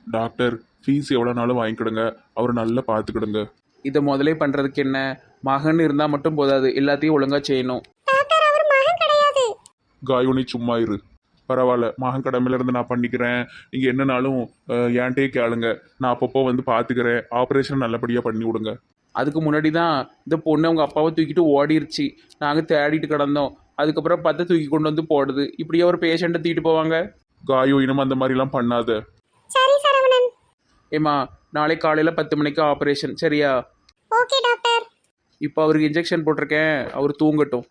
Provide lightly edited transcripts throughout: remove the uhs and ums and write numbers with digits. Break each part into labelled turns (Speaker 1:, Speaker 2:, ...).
Speaker 1: Doctor fees எவ்வளோ நாளும் வாங்கிக்கிடுங்க, அவர் நல்லா பார்த்துக்கிடுங்க.
Speaker 2: இதை முதலே பண்ணுறதுக்கு என்ன, மகன் இருந்தால் மட்டும் போதாது, எல்லாத்தையும் ஒழுங்காக செய்யணும்.
Speaker 3: டாக்டர் அவர் மகன் கிடையாது.
Speaker 1: காயு நீ சும்மா இரு, பரவாயில்ல, மகன் கடமையிலேருந்து நான் பண்ணிக்கிறேன். நீங்கள் என்னனாலும் என்கிட்டயே கேளுங்க, நான் அப்பப்போ வந்து பார்த்துக்கிறேன். ஆப்ரேஷன் நல்லபடியாக பண்ணி விடுங்க.
Speaker 2: அதுக்கு முன்னாடி தான் இந்த பொண்ணு அவங்க அப்பாவை தூக்கிட்டு ஓடிருச்சு. நாங்கள் தேடிட்டு கிடந்தோம். அதுக்கப்புறம் பார்த்து தூக்கி கொண்டு வந்து போடுது. இப்படியே ஒரு பேஷண்ட்டை தூக்கிட்டு போவாங்க.
Speaker 1: காயு இனிமே அந்த மாதிரிலாம் பண்ணாத.
Speaker 3: சரி சரவணன்.
Speaker 2: ஏம்மா, நாளை காலையில் 10 மணிக்கு ஆப்ரேஷன், சரியா?
Speaker 3: Okay doctor.
Speaker 2: இப்போ அவருக்கு இன்ஜெக்ஷன் போட்டிருக்கேன், அவர் தூங்கட்டும்.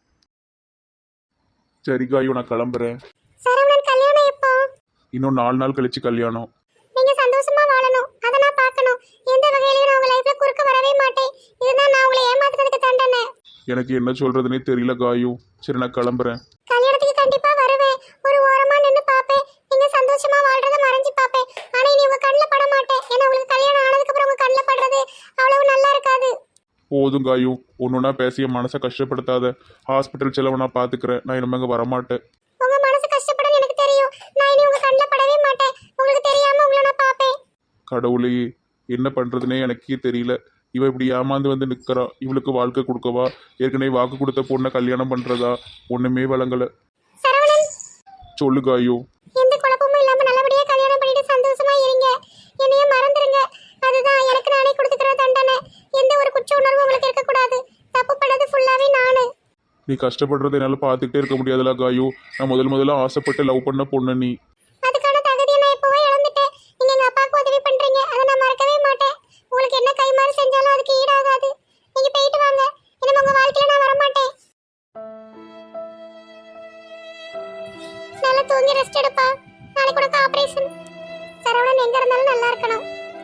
Speaker 1: சரி காயு, நான் கிளம்புறேன்.
Speaker 3: சரவணன் கல்யாணம் எப்போ?
Speaker 1: இன்னும் 4 நாள் கழிச்சு கல்யாணம்.
Speaker 3: நீங்க சந்தோஷமா வாழணும், அதை நான் பார்க்கணும். எந்த வகையிலயும் நான் உங்க லைஃப்ல குறுக்க வரவே மாட்டேன். இதுதான் நான் உங்களை ஏமாத்துறதுக்கு தண்டனை.
Speaker 1: எனக்கு என்ன சொல்றதுனே தெரியல காயு. சரி, நான் கிளம்புறேன்.
Speaker 3: கல்யாணத்துக்கு கண்டிப்பா வருவேன். ஒரு ஓரமா நின்னு பாப்பேன். நீங்க சந்தோஷமா வாழ்றத மறைஞ்சு பாப்பேன். ஆனா இனி உங்க கண்ணுல பட மாட்டேன். ஏன்னா உங்களுக்கு கல்யாணம் ஆனதுக்கு அப்புறம் உங்க கண்ணுல படுறது அவ்வளவு நல்லா இருக்காது.
Speaker 1: போதும் காயு, ஒன்றுனா பேசிய மனசை கஷ்டப்படுத்தாத. ஹாஸ்பிட்டல் செலவை நான் பார்த்துக்கிறேன். நான் இனிமேங்க வரமாட்டேன்.
Speaker 3: உங்க மனசு கஷ்டப்படும் எனக்கு தெரியும். நான் இனி உங்க கண்ணுல படவே மாட்டேன். உங்களுக்கு தெரியாம உங்களை நான் பாப்பேன்.
Speaker 1: கடவுளே, என்ன பண்ணுறதுனே எனக்கே தெரியல. இவ இப்படி ஏமாந்து வந்து நிற்கிறா. இவளுக்கு வாழ்க்கை கொடுக்கவா, ஏற்கனவே வாக்கு கொடுத்த பொண்ணை கல்யாணம் பண்ணுறதா, ஒன்றுமே வழங்கலை.
Speaker 3: சரவணன்,
Speaker 1: சொல்லு காயு.
Speaker 3: எந்த குழப்பமும் இல்லாம நல்லபடியா கல்யாணம் பண்ணிட்டு சந்தோஷமா இருங்க. என்னைய மறந்துருங்க. அதுதான் எனக்கு நானே கொடுத்துக்கிற தண்டனை. எந்த ஒரு குற்ற உணர்வும் உங்களுக்கு இருக்கக்கூடாது. தப்பு பண்ணது ஃபுல்லாவே நானு.
Speaker 1: நீ கஷ்டப்படுறத என்னால் பார்த்துக்கிட்டே இருக்க முடியாதுல காயு. நான் முதல்ல ஆசைப்பட்டு லவ் பண்ண பொண்ணு நீ.
Speaker 3: அதுக்கான தகுதியை நான் இப்போவே இழந்துட்டேன். நீங்க எங்க அப்பாவுக்கு உதவி பண்றீங்க, அதை நான் மறக்கவே மாட்டேன். உங்களுக்கு என்ன கைமாறு செஞ்சாலும் அதுக்கு ஈடாகாது. நீங்க போயிட்டு வாங்க. இனிமே உங்க வாழ்க்கையில நான் வரமாட்டேன். நல்லா தூங்கி ரெஸ்ட் எடுப்பா. நாளைக்கு உனக்கு ஆபரேஷன். சரவணன் எங்க இருந்தாலும் நல்லா இருக்கணும்.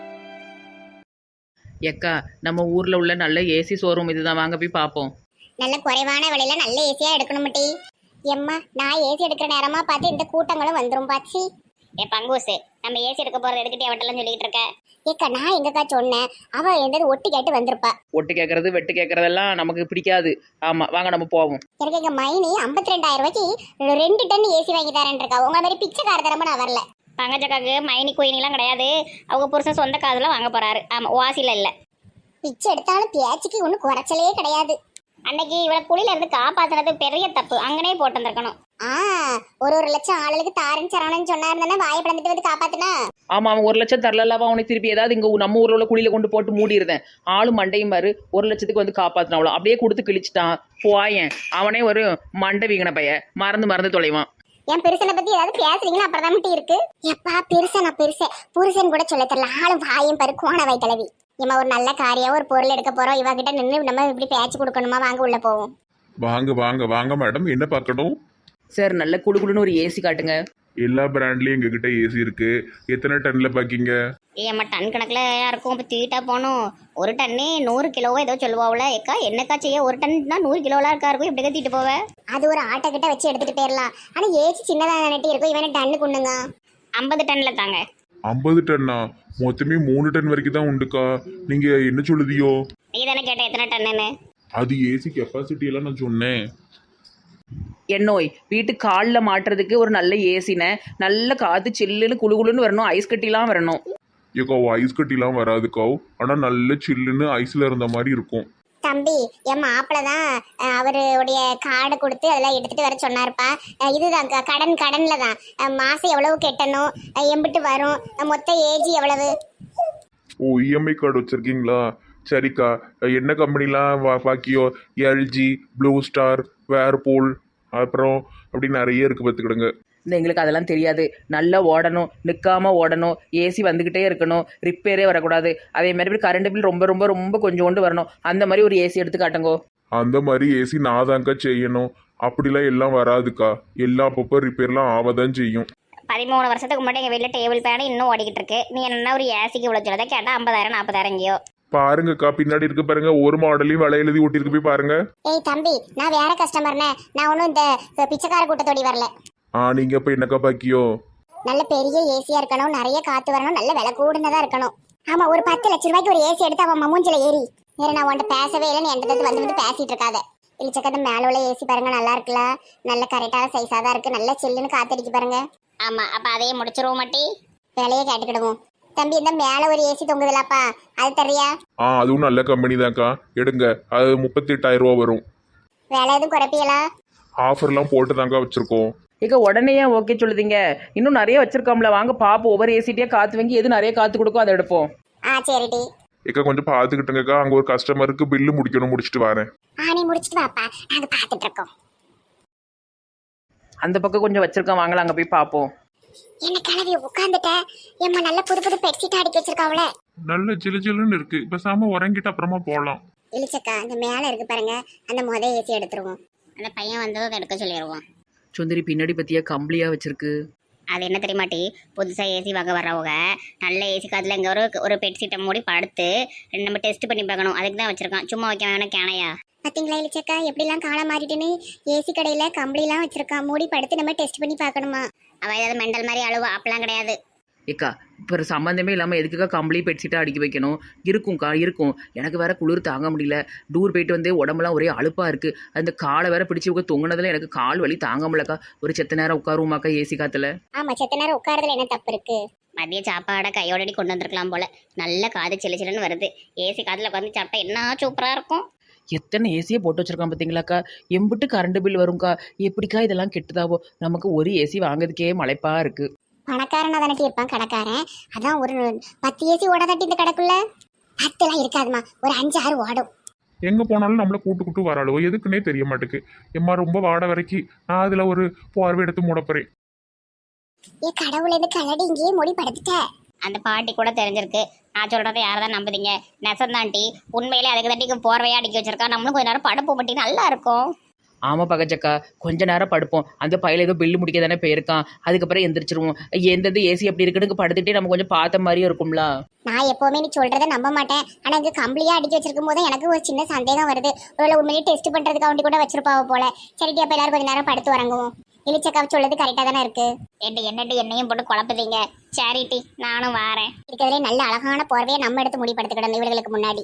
Speaker 4: எக்கா, நம்ம ஊரில் உள்ள நல்ல ஏசி ஷோரூம் இதுதான், வாங்க போய் பார்ப்போம்.
Speaker 3: நல்ல குறைவான விலையில நல்ல ஏசியா எடுக்கணும் டி. எம்மா, நான் ஏசி எடுக்கிற நேரமா பார்த்து இந்த கூட்டங்களும் வந்துரும் பாச்சி. பங்கூசு, நம்ம ஏசி எடுக்க போறது எடுக்கிட்டே அவட்டெல்லாம் சொல்லிட்டு இருக்க. ஏக்கா, நான் எங்கக்கா சொன்னேன்? அவ எந்த ஒட்டு கேட்டு வந்திருப்பா.
Speaker 4: ஒட்டு கேட்கறது வெட்டு கேட்கறதெல்லாம் நமக்கு பிடிக்காது. ஆமாம், வாங்க நம்ம போவோம்.
Speaker 3: எனக்கு எங்க மைனி 52,000 ரூபாய்க்கு 2 டன் ஏசி வாங்கி தரேன் இருக்கா. உங்களை மாதிரி பிச்சைக்கார தரமா நான் வரல.
Speaker 5: பங்கஜக்காக்கு மைனி கோயினிலாம் கிடையாது. அவங்க புருஷன் சொந்த காதுல வாங்க போறாரு. ஆமா, வாசில இல்ல.
Speaker 3: பிச்சை எடுத்தாலும் பேச்சுக்கு ஒன்றும் குறைச்சலே கிடையாது.
Speaker 5: அன்னைக்கு இவளை குழியில இருந்து காப்பாத்துனது பெரிய தப்பு. அங்கனே போட்டு வந்திருக்கணும்.
Speaker 3: ஒரு லட்சம் ஆளுக்கு தாரன் சரவணன் சொன்னா இருந்தா வாயை பிளந்துட்டு வந்து காப்பாத்துனா.
Speaker 4: ஆமாம், அவன் 1 லட்சம் தரலவா அவனை திருப்பி ஏதாவது இங்கே நம்ம ஊரில் உள்ள குழியில் கொண்டு போட்டு மூடிடுறேன். ஆளும் மண்டையும் பாரு, 1 லட்சத்துக்கு வந்து காப்பாற்றின அவ்வளோ அப்படியே கொடுத்து கிழிச்சிட்டான். போயேன், அவனே ஒரு மண்டை வீங்கின பைய, மறந்து தொலைவான்.
Speaker 3: என் பெருசனை பத்தி ஏதாவது பேசுறீங்கன்னா அப்புறம் தான் இருக்கு. எப்பா பெருசனா புருஷன் கூட சொல்ல தெரியல. ஆளும் வாயும் பாரு கோணவாய் தலைவி. இம்மா, ஒரு நல்ல காரியம் ஒரு பொருள் எடுக்க போறோம். இவகிட்ட நின்று நம்ம இப்படி பேச்சு கொடுக்கணுமா? வாங்க உள்ள போவோம்.
Speaker 1: வாங்க வாங்க வாங்க மேடம், என்ன பார்க்கணும்?
Speaker 4: சார், நல்ல குடுகுடுன்னு ஒரு ஏசி காட்டுங்க.
Speaker 1: எல்லா பிராண்ட்லயும் எங்ககிட்ட ஏசி இருக்கு. எத்தனை டன்ல பாக்கீங்க?
Speaker 5: ஏம்மா, டன் கணக்குல யாருக்கும் இப்போ தூக்கிட்டா போகணும். ஒரு டன்னே 100 கிலோவோ ஏதோ சொல்லுவாவுல. ஏக்கா, என்னக்கா செய்ய? ஒரு டன்னா 100 கிலோலாம் இருக்கா இருக்கும். இப்படி தூக்கிட்டு போவேன்.
Speaker 3: அது ஒரு ஆட்டோ கிட்ட வச்சு எடுத்துட்டு போயிடலாம். ஆனா ஏசி சின்னதா நட்டி இருக்கும். இவனை டன்னு கொண்டுங்க.
Speaker 5: 50 டன்ல தாங்க.
Speaker 1: 50 டன்னா? மொத்தமே 3 டன் வரைக்கும் தான் உண்டுக்கா. நீங்க என்ன சொல்லுதியோ?
Speaker 5: நீ தானே கேட்ட எத்தனை டன்னுன்னு.
Speaker 1: அது ஏசி கெப்பாசிட்டி எல்லாம் நான் சொன்னேன்.
Speaker 4: என்னோய், வீட்டு காலில் மாட்டுறதுக்கு ஒரு நல்ல ஏசினை, நல்ல காற்று சில்லுன்னு குளுகுளுன்னு வரணும், ஐஸ் கட்டிலாம் வரணும்.
Speaker 1: ஏக்கா, ஐஸ் கட்டிலாம் வராதுக்கா. ஆனா நல்ல சில்லுன்னு ஐஸ்ல இருந்த மாதிரி இருக்கும்.
Speaker 3: தம்பி, என் மாப்பிள்ள தான் அவருடைய கார்டு கொடுத்து அதெல்லாம் எடுத்துட்டு வர சொன்னாருப்பா. இதுதான் கடன்ல தான். மாசம் எவ்வளவு கட்டணும், எம்பிட்டு வரும், மொத்த ஏஜ் எவ்வளவு.
Speaker 1: ஓ, இஎம்ஐ கார்டு வச்சிருக்கீங்களா? சரிக்கா. என்ன கம்பெனிலாம் பாக்கியோ? எல்ஜி, ப்ளூ ஸ்டார், வேர்பூல், அப்புறம் அப்படி நிறைய இருக்கு, பார்த்துக்கிடுங்க.
Speaker 4: இந்த எங்களுக்கு அதெல்லாம் தெரியாது. நல்லா ஓடணும், நிற்காம ஓடணும், ஏசி வந்துக்கிட்டே இருக்கணும், ரிப்பேரே வரக்கூடாது. அதே மாதிரி கரண்ட் பில் ரொம்ப ரொம்ப ரொம்ப கொஞ்சோண்டு வரணும். அந்த மாதிரி ஒரு ஏசி எடுத்து காட்டுங்கோ.
Speaker 1: அந்த மாதிரி ஏசி நான் தான்க்கா செய்யணும். அப்படிலாம் எல்லாம் வராதுக்கா. எல்லா அப்பப்போ ரிப்பேர்லாம் ஆவதான் செய்யும்.
Speaker 5: 13 வருஷத்துக்கு முன்னாடி எங்கள் வீட்டில் டேபிள் ஃபேனு இன்னும் ஓடிக்கிட்டு இருக்கு. நீ என்ன ஒரு ஏசிக்கு இவ்வளோ சொல்லுறதை கேட்டால் 50,000 40,000 எங்கேயோ.
Speaker 1: பாருங்கக்கா, பின்னாடி இருக்கு பாருங்க, ஒரு மாடலையும் விலை எழுதி ஒட்டிருக்கு, போய் பாருங்க.
Speaker 3: ஏய் தம்பி, நான் வேற கஸ்டமர்னே. நான் ஒன்றும் இந்த பிச்சைக்கார கூட்டத்தோடி வரல.
Speaker 1: நீங்க இப்ப என்னக்கா பாக்கியோ?
Speaker 3: நல்ல பெரிய ஏசியா இருக்கணும், நிறைய காத்து வரணும், நல்ல விலை கூடுனதா இருக்கணும். ஆமா, ஒரு 10 லட்சம் ரூபாய்க்கு ஒரு ஏசி எடுத்து அவன் மூஞ்சில ஏறி நான் உன்ட்ட பேசவே இல்லைன்னு என்கிட்ட வந்து பேசிட்டு இருக்காத. இழிச்சக்கத்தை மேல உள்ள ஏசி பாருங்க, நல்லா இருக்குல்ல, நல்ல கரெக்டான சைஸா தான் இருக்கு, நல்ல சில்லுன்னு காத்தடிக்கு பாருங்க.
Speaker 5: ஆமாம், அப்போ அதையே முடிச்சிருவோம் மாட்டி.
Speaker 3: விலையே கேட்டுக்கிடுவோம். தம்பி இந்த மேல ஒரு ஏசி தொங்குதுலப்பா, அது தரியா?
Speaker 1: அதுவும் நல்ல கம்பெனி தான்க்கா, எடுங்க. அது 38,000 ரூபா வரும்.
Speaker 3: வேலை எதுவும் குறைப்பியலா?
Speaker 1: ஆஃபர்லாம் போட்டு தாங்க வச்சுருக்கோம்.
Speaker 4: ஏக்கா உடனே ஏன் ஓகே சொல்லுதீங்க? இன்னும் நிறைய வச்சிருக்கோம்ல, வாங்க பாப்போம். ஒவ்வொரு ஏசிட்டியாக காற்று வாங்கி எது நிறைய காற்று கொடுக்கும் அதை எடுப்போம்.
Speaker 3: சரிடி.
Speaker 1: ஏக்கா கொஞ்சம் பார்த்துக்கிட்டுங்கக்கா, அங்கே ஒரு கஸ்டமருக்கு பில்லு முடிச்சுட்டு வரேன்.
Speaker 3: நீ முடிச்சிட்டு வாப்பா, நாங்க பார்த்துட்டு இருக்கோம்.
Speaker 4: அந்த பக்கம் கொஞ்சம் வச்சிருக்கோம், வாங்கலாம் அங்கே போய் பார்ப்போம்.
Speaker 3: என்ன கிளவி உட்காந்துட்ட? ஏம்மா நல்ல புது புது பெட்ஷீட் அடிக்க வச்சிருக்காவல.
Speaker 1: நல்ல ஜிலு ஜிலுன்னு இருக்கு. பேசாம உறங்கிட்டு அப்புறமா போகலாம்.
Speaker 3: இழிச்சக்கா, இந்த மேல இருக்கு பாருங்க, அந்த ஏசி எடுத்துருவோம்.
Speaker 5: அந்த பையன் வந்ததும் அதை எடுக்க சொல்லிடுவோம்.
Speaker 4: சுந்தரி பின்னாடி பற்றியா கம்பளியாக வச்சிருக்கு.
Speaker 5: அது என்ன தெரியுமாட்டி, புதுசாக ஏசி வாங்க வர்றவங்க நல்ல ஏசி காத்துல இங்கே ஒரு பெட் சீட்டை மூடி படுத்து நம்ம டெஸ்ட் பண்ணி பார்க்கணும். அதுக்கு தான் வச்சிருக்கான், சும்மா வைக்க வேணும் கேனையா.
Speaker 3: பாத்தீங்களா இழிச்சக்கா, எப்படிலாம் காலம் மாறிட்டுன்னு. ஏசி கடையில கம்பளிலாம் வச்சிருக்கான், மூடி படுத்து நம்ம டெஸ்ட் பண்ணி பார்க்கணுமா?
Speaker 5: அவள் ஏதாவது மெண்டல் மாதிரி அழுவா, அப்பெல்லாம் கிடையாது.
Speaker 4: ஏக்கா இப்போ சம்மந்தமே இல்லாமல் எதுக்குக்கா கம்பளி பெட்ஷீட்டாக அடிக்க வைக்கணும்? இருக்கும்க்கா இருக்கும். எனக்கு வேற குளிர் தாங்க முடியல. டூர் போயிட்டு வந்து உடம்புலாம் ஒரே அலுப்பாக இருக்குது. அந்த காலை வேற பிடிச்சி தொங்கினதில் எனக்கு கால் வலி தாங்க முடியலக்கா. ஒரு செத்த நேரம் உட்காருவோமாக்கா ஏசி காத்துல?
Speaker 3: ஆமா, செத்த நேரம் உட்காரதுல என்ன தப்பு இருக்கு?
Speaker 5: மதிய சாப்பாடை கையோடடி கொண்டு வந்திருக்கலாம் போல. நல்ல காது சில்லு சில்லுன்னு வருது. ஏசி காத்துல உட்காந்து சாப்பிட்டா என்ன சூப்பராக இருக்கும்.
Speaker 4: எத்தனை ஏசியை போட்டு வச்சிருக்கான் பார்த்தீங்களாக்கா? எம்பிட்டு கரண்ட் பில் வரும்க்கா. எப்படிக்கா இதெல்லாம் கெட்டுதாவோ? நமக்கு ஒரு ஏசி வாங்குறதுக்கே மலைப்பா இருக்குது.
Speaker 3: பணக்காரனா தானே இருப்பான் கடைக்காரன். அதான் ஒரு 10 ஏசி ஓடாதாட்டி இந்த கடைக்குள்ள. 10 இருக்காதுமா, ஒரு 5-6 ஓடும்.
Speaker 1: எங்கே போனாலும் நம்மளை கூட்டு வராளோ எதுக்குன்னே தெரிய மாட்டேக்கு. எம்மா ரொம்ப வாட வரைக்கும் நான் அதில் ஒரு பார்வை எடுத்து மூடப்போறேன்.
Speaker 3: கடவுள், இந்த கலடி இங்கேயே மூடி படுத்துட்ட.
Speaker 5: அந்த பாட்டி கூட தெரிஞ்சிருக்கு. நான் சொல்றதை யாரதான் நம்புதீங்க? நெசந்தாண்டி உண்மையிலே அதுக்கு தட்டிக்கு போர்வையா அடிக்க வச்சிருக்கா. நம்மளும் கொஞ்ச நேரம் படுப்பு மட்டும் நல்லா இருக்கும்.
Speaker 4: ஆமாம் பகச்சக்கா, கொஞ்ச நேரம் படுப்போம். அந்த பையில ஏதோ பில்லு முடிக்க தானே போயிருக்கான். அதுக்கப்புறம் எந்திரிச்சிருவோம். எந்தெந்த ஏசி எப்படி இருக்குன்னு படுத்துக்கிட்டே நம்ம கொஞ்சம் பார்த்த மாதிரியும் இருக்கும்ல.
Speaker 3: நான் எப்பவுமே நீ சொல்றதை நம்ப மாட்டேன். ஆனா இங்க கம்பளியா அடிச்சு வச்சிருக்கும் போது எனக்கு ஒரு சின்ன சந்தேகம் வருது. ஒருவேளை உண்மையிலே டெஸ்ட் பண்றதுக்கு அவண்டி கூட வச்சிருப்பாவ போல. சரிட்டி, அப்ப எல்லாரும் கொஞ்ச நேரம் படுத்து உறங்குவோம். இழிச்சக்கா சொல்றது கரெக்டா தானே இருக்கு.
Speaker 5: என்னட்டு என்னையும் போட்டு குழப்பதீங்க. சேரிட்டி, நானும் வாரேன்.
Speaker 3: இருக்கிறதுலே நல்ல அழகான போர்வையை நம்ம எடுத்து முடி படுத்துக்கிடணும் இவர்களுக்கு முன்னாடி.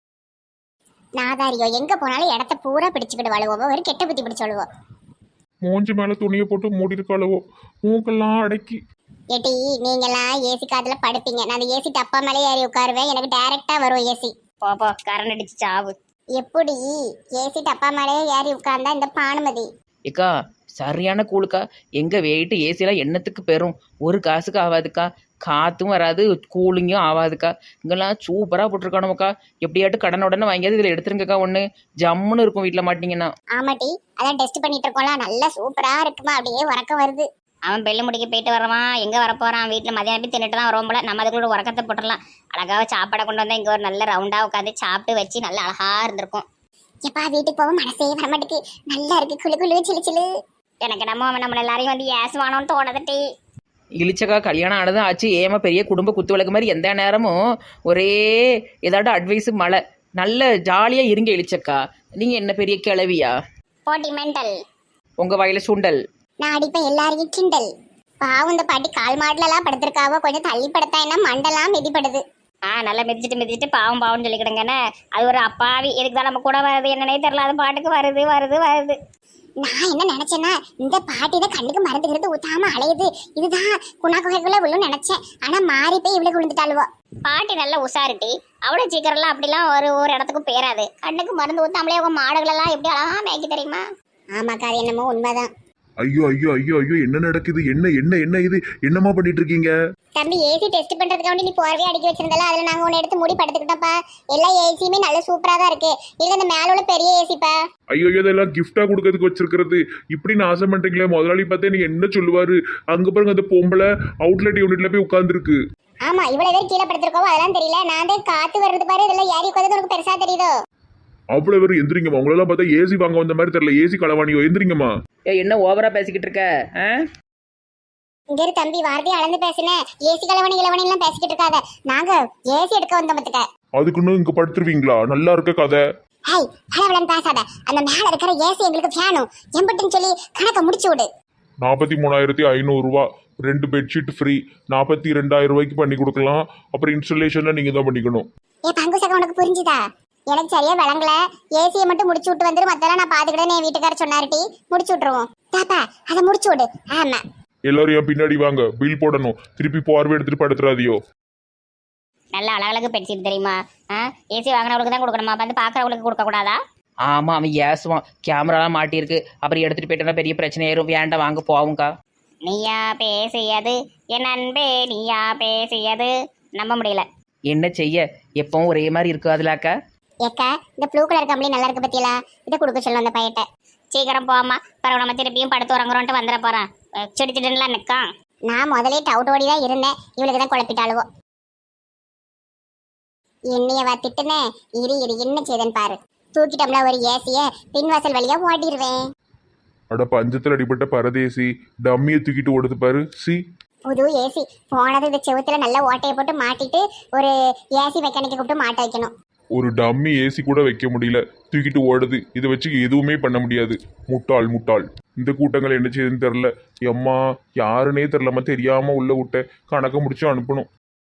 Speaker 3: நாதாரியோ எங்க போனாலும் இடத்த பூரா பிடிச்சுக்கிட்டு வாழுவோம். ஒரு கெட்ட புத்தி பிடிச்சு வாழுவோம்.
Speaker 1: மூஞ்சி மேலே துணியை போட்டு மூடி இருக்காளவோ, மூக்கெல்லாம் அடக்கி.
Speaker 3: ஏட்டி, நீங்கெல்லாம் ஏசி காத்துல படுப்பீங்க, நான் அந்த ஏசி டப்பா மேலே ஏறி உட்காருவேன். எனக்கு டைரக்டா வரும் ஏசி.
Speaker 5: போ கரண்ட் அடிச்சு சாவு.
Speaker 3: எப்படி ஏசி டப்பா மேலே ஏறி உட்கார்ந்தா இந்த பானுமதி?
Speaker 4: ஏக்கா சரியான கூழுக்கா. எங்கள் வெயிட்டு ஏசியெல்லாம் எண்ணத்துக்கு பெறும். ஒரு காசுக்கு ஆகாதுக்கா. காற்றும் வராது, கூலிங்கும் ஆகாதுக்கா. இங்கெல்லாம் சூப்பராக போட்டிருக்கானுக்கா. எப்படியாட்டு கடன் உடனே வாங்கியாவது இதில் எடுத்துருங்கக்கா. ஒன்று ஜம்முன்னு இருக்கும் வீட்டில் மாட்டிங்கன்னா.
Speaker 3: ஆமாட்டி, அதான் டெஸ்ட் பண்ணிட்டு இருக்கோம்ல, நல்லா சூப்பரா இருக்குமா, அப்படியே உறக்கம் வருது.
Speaker 5: அவன் பெல்லு முடிக்க போயிட்டு வரவான், எங்கே வரப்போகிறான்? வீட்டில் மதியானம் போய் தின்னுட்டு தான் வருவோம் போல. நம்ம அதுக்குள்ள உறக்கத்தை போட்டுடலாம். அழகாக சாப்பாடை கொண்டு வந்தால் இங்கே ஒரு நல்ல ரவுண்டாக உட்காந்து சாப்பிட்டு வச்சு நல்லா அழகாக இருந்திருக்கும்.
Speaker 3: எப்பா வீட்டுக்கு போக மனசே வரமாட்டுக்கு. நல்லா இருக்கு, குளு குளு சிலு சிலு.
Speaker 5: எனக்கு நம்ம எல்லாரையும் வந்து ஏசுவானோன்னு தோணுதுட்டி.
Speaker 4: இழிச்சக்கா கல்யாணம் ஆனதும் ஆச்சு. ஏமா பெரிய குடும்ப குத்து விளக்கு மாதிரி எந்த நேரமும் ஒரே ஏதாட்டும் அட்வைஸு மழை. நல்ல ஜாலியாக இருங்க இழிச்சக்கா. நீங்கள் என்ன பெரிய கிளவியா?
Speaker 5: போட்டி மெண்டல்.
Speaker 4: உங்கள் வயல சுண்டல்.
Speaker 3: நான் அடிப்பேன் எல்லாரையும் கிண்டல். பாவம், இந்த பாட்டி கால் மாடலாம் படுத்திருக்காவோ, கொஞ்சம் தள்ளி படுத்தா என்ன மண்டெல்லாம் மிதிப்படுது.
Speaker 5: நல்லா மிதிச்சிட்டு பாவம் பாவம்னு சொல்லிக்கிடுங்கன்னு. அது ஒரு அப்பாவி. எதுக்கு தான் நம்ம கூட வருது என்னன்னே தெரியல. அது பாட்டுக்கு வருது.
Speaker 3: நான் என்ன நினைச்சேன்னா, இந்த பாட்டி தான் கண்ணுக்கு மறந்துக்கிறது ஊத்தாம அலையுது, இதுதான் குணா குகைக்குள்ள விழும் நினைச்சேன். ஆனா மாறி போய் இவ்வளவு விழுந்துட்டாளுவோ.
Speaker 5: பாட்டி நல்ல உஷாரிட்டி. அவ்வளோ சீக்கிரம்லாம் அப்படிலாம் ஒரு இடத்துக்கும் பேராது. கண்ணுக்கு மருந்து ஊத்தாமலே உங்க மாடுகளெல்லாம் எப்படி அழகா மேய்க்க தெரியுமா?
Speaker 3: ஆமாக்கா, அது என்னமோ உண்மைதான்.
Speaker 1: ஐயோ ஐயோ ஐயோ ஐயோ, என்ன நடக்குது? என்ன இது? என்னமா பண்ணிட்டு இருக்கீங்க?
Speaker 3: தம்பி, ஏசி டெஸ்ட் பண்றதுக்காண்டி நீ போர்வையா அடிக்க வச்சிருந்தால, அதுல நாங்க ஒன்னு எடுத்து மூடி படுத்துக்கிட்டோம்ப்பா. எல்லா ஏசியுமே நல்ல சூப்பரா தான் இருக்கு. இல்ல இந்த மேல உள்ள பெரிய ஏசிப்பா.
Speaker 1: ஐயோ, இதெல்லாம் கிஃப்டா கொடுக்கறதுக்கு வச்சிருக்கிறது. இப்படின்னு ஆசை பண்றீங்களே. முதலாளி பார்த்தே நீங்க என்ன சொல்லுவாரு? அங்க பாருங்க, அந்த பொம்பளை அவுட்லெட் யூனிட்ல போய் உட்கார்ந்துருக்கு.
Speaker 3: ஆமா, இவ்வளவு பேர் கீழே படுத்திருக்கோம், அதெல்லாம் தெரியல. நான் தான் காத்து வர்றது பாரு, இதெல்லாம் ஏறி உட்காந்து உனக்கு பெருசா தெரியுதோ?
Speaker 1: அவ்வளவு பேர் எந்திரிங்கம்மா. உங்களெல்லாம் பார்த்தா ஏசி வாங்க வந்த மாதிரி தெரியல. ஏசி களவாணியோ, எந்திரிங்கம்மா.
Speaker 4: என்ன ஓவரா பேசிக்கிட்டு இருக்க?
Speaker 3: இங்க இரு தம்பி, வார்த்தையை அளந்து பேசுனேன். ஏசி கலவணி எல்லாம் பேசிக்கிட்டு இருக்காத. நாங்க ஏசி எடுக்க வந்தோம் பத்துக்க.
Speaker 1: அதுக்குன்னு இங்க படுத்துருவீங்களா? நல்லா இருக்க கதை.
Speaker 3: ஹை, பலவளன் பேசாத. அந்த மேல இருக்கிற ஏசி எங்களுக்கு வேணும். எம்பட்டுன்னு சொல்லி கணக்க முடிச்சு விடு.
Speaker 1: 43,500 ரூபா. 2 பெட்ஷீட் ஃப்ரீ. 42,000 ரூபாய்க்கு பண்ணி கொடுக்கலாம். அப்புறம் இன்ஸ்டாலேஷன்ல நீங்க தான் பண்ணிக்கணும்.
Speaker 3: பங்கு சகம் உனக்கு புரிஞ்சுதா? எனக்கு சரியா விளங்கல. ஏசியை மட்டும் முடிச்சு விட்டு வந்துரு, மத்தெல்லாம் நான் பாத்துக்கிட்டேன். என் வீட்டுக்காரர் சொன்னாருட்டி, முடிச்சு விட்டுருவோம். தாப்பா, அதை முடிச்சு விடு. ஆமா,
Speaker 1: எல்லாரும் என் பின்னாடி வாங்க. பில் போடணும். திருப்பி பார்வை எடுத்துட்டு படுத்துறாதியோ.
Speaker 5: நல்ல அழகழகு பெட்ஷீட் தெரியுமா? ஏசி வாங்கினவங்களுக்கு தான் கொடுக்கணுமா? வந்து பார்க்குறவங்களுக்கு கொடுக்கக்கூடாதா?
Speaker 4: ஆமாம், அவன் ஏசுவான். கேமராலாம் மாட்டியிருக்கு, அப்புறம் எடுத்துகிட்டு போயிட்டோன்னா பெரிய பிரச்சனை ஆயிரும். வேண்டாம், வாங்க போவோங்க்கா.
Speaker 5: நீயா பேசியது என் அன்பே, நீயா பேசியது. நம்ப முடியல.
Speaker 4: என்ன செய்ய, எப்பவும் ஒரே மாதிரி இருக்காதுலாக்கா.
Speaker 3: ஏக்கா இந்த ப்ளூ கலர் கம்பளி நல்லா இருக்கு பத்தியலா, இதை கொடுக்க சொல்லும் அந்த பையட்ட.
Speaker 5: சீக்கிரம் போமா, பிறகு நம்ம திருப்பியும் படுத்து உறங்குறோன்ட்டு வந்துட போறான். செடி செடின்லாம் நிற்கான்.
Speaker 3: நான் முதலே டவுட் ஓடி தான் இருந்தேன், இவளுக்கு தான் குழப்பிட்டாளுவோ. என்னையவா திட்டுனே, இரு இரு என்ன செய்தேன்னு பாரு. தூக்கிட்டோம்ல ஒரு ஏசிய பின்வாசல் வழியா ஓட்டிடுவேன்.
Speaker 1: அட பஞ்சத்தில் அடிபட்ட பரதேசி டம்மியை தூக்கிட்டு ஓடுது பாரு. சி
Speaker 3: புது ஏசி போனது இந்த செவுத்துல நல்லா ஓட்டையை போட்டு மாட்டிட்டு ஒரு ஏசி மெக்கானிக்கை கூப்பிட்டு மாட்ட வைக்கணும்.
Speaker 1: ஒரு டம்மி ஏசி கூட வைக்க முடியல, தூக்கிட்டு ஓடுது. இதை வச்சு எதுவுமே பண்ண முடியாது. முட்டாள் முட்டாள். இந்த கூட்டங்கள் என்ன செய்யுதுன்னு தெரில. எம்மா யாருன்னே தெரிலம்மா, தெரியாம உள்ள விட்ட கணக்க முடிச்சு அனுப்பணும்.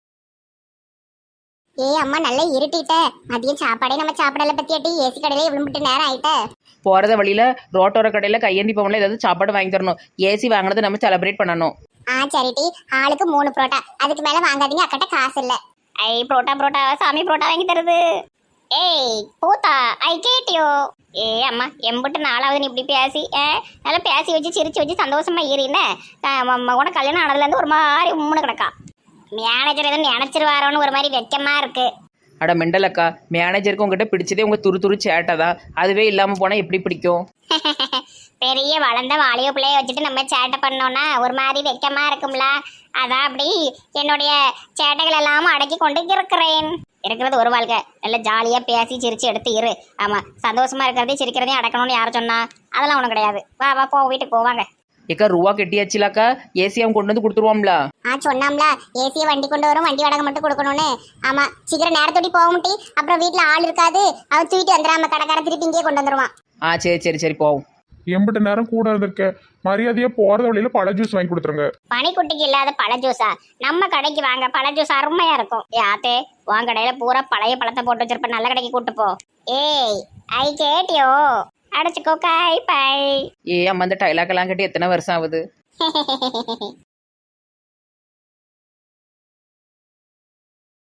Speaker 3: அம்மா நல்லா இருட்டிட்ட, மதியம் சாப்பாடே நம்ம சாப்பிடல பத்தியாட்டி, ஏசி கடையில விழும்பிட்டு நேரம் ஆயிட்ட.
Speaker 4: போகிறத வழியில் ரோட்டோர கடையில் கையேந்தி போகல ஏதாவது சாப்பாடு வாங்கி தரணும். ஏசி வாங்கினதை நம்ம செலிப்ரேட் பண்ணணும்.
Speaker 3: சரிட்டி, ஆளுக்கு 3 புரோட்டா, அதுக்கு மேல வாங்காதீங்க, அக்கட்ட காசு இல்ல.
Speaker 5: ஐ புரோட்டா சாமி புரோட்டா வாங்கி தருது. ஏய் பூத்தா, ஐ கேட்டியோ. அம்மா எம்பிட்டு நாளாவது நீ இப்படி பேசி நல்லா பேசி வச்சு சிரிச்சு வச்சு சந்தோஷமா ஏறின கூட கல்யாணம் ஆனதுலேருந்து ஒரு மாதிரி உம்முன்னு கிடக்கா. மேனேஜர் எதுவும் நினைச்சிருவாரோன்னு ஒரு மாதிரி வெக்கமா இருக்கு.
Speaker 4: அட மெண்டலக்கா, மேனேஜருக்கு உங்ககிட்ட பிடிச்சதே உங்கள் துரு சேட்டை தான். அதுவே இல்லாமல் போனால் எப்படி பிடிக்கும்?
Speaker 5: பெரிய வளர்ந்த வாலிய பிள்ளைய வச்சுட்டு நம்ம சேட்டை பண்ணோம்னா ஒரு மாதிரி வெக்கமா இருக்கும்ல. அதான் அப்படி என்னுடைய சேட்டைகள் எல்லாம் அடக்கி கொண்டு இருக்கிறேன். இருக்கிறது ஒரு வாழ்க்கை, நல்ல ஜாலியா பேசி சிரிச்சு எடுத்து இரு. ஆமா, சந்தோஷமா இருக்கிறதையும் சிரிக்கிறதையும் அடக்கணும்னு யாரும் சொன்னா? அதெல்லாம் ஒன்றும் கிடையாது. வா வா போ, வீட்டுக்கு போவாங்க.
Speaker 4: ஏக்கா ரூபா கெட்டியாச்சுலாக்கா, ஏசி அவன் கொண்டு வந்து கொடுத்துருவாம்ல.
Speaker 3: சொன்னாம்ல ஏசியை வண்டி கொண்டு வரும், வண்டி வாடகை மட்டும் கொடுக்கணும்னு. ஆமா, சீக்கிரம் நேரத்தோடி போக முட்டி, அப்புறம் வீட்டுல ஆள் இருக்காது, அவன் தூக்கிட்டு வந்துடாம கடைக்கார திருப்பி இங்கேயே கொண்டு வந்துருவான்.
Speaker 4: சரி போவோம்.
Speaker 1: எம்பிட்ட நேரம் கூட இருந்திருக்க, மரியாதையா போறது வழியில பழ ஜூஸ் வாங்கி கொடுத்துருங்க.
Speaker 5: பனிக்குட்டிக்கு இல்லாத பழ ஜூஸா? நம்ம கடைக்கு வாங்க, பழ ஜூஸ் அருமையா இருக்கும். யாத்தே உன் கடையில பூரா பழைய பழத்தை போட்டு வச்சிருப்ப, நல்ல கடைக்கு கூட்டு போ. ஏய் ஐ கேட்டியோ, அடைச்சுக்கோ காய் பை.
Speaker 4: அம்மா இந்த டைலாக் எல்லாம் கட்டி எத்தனை வருஷம் ஆகுது?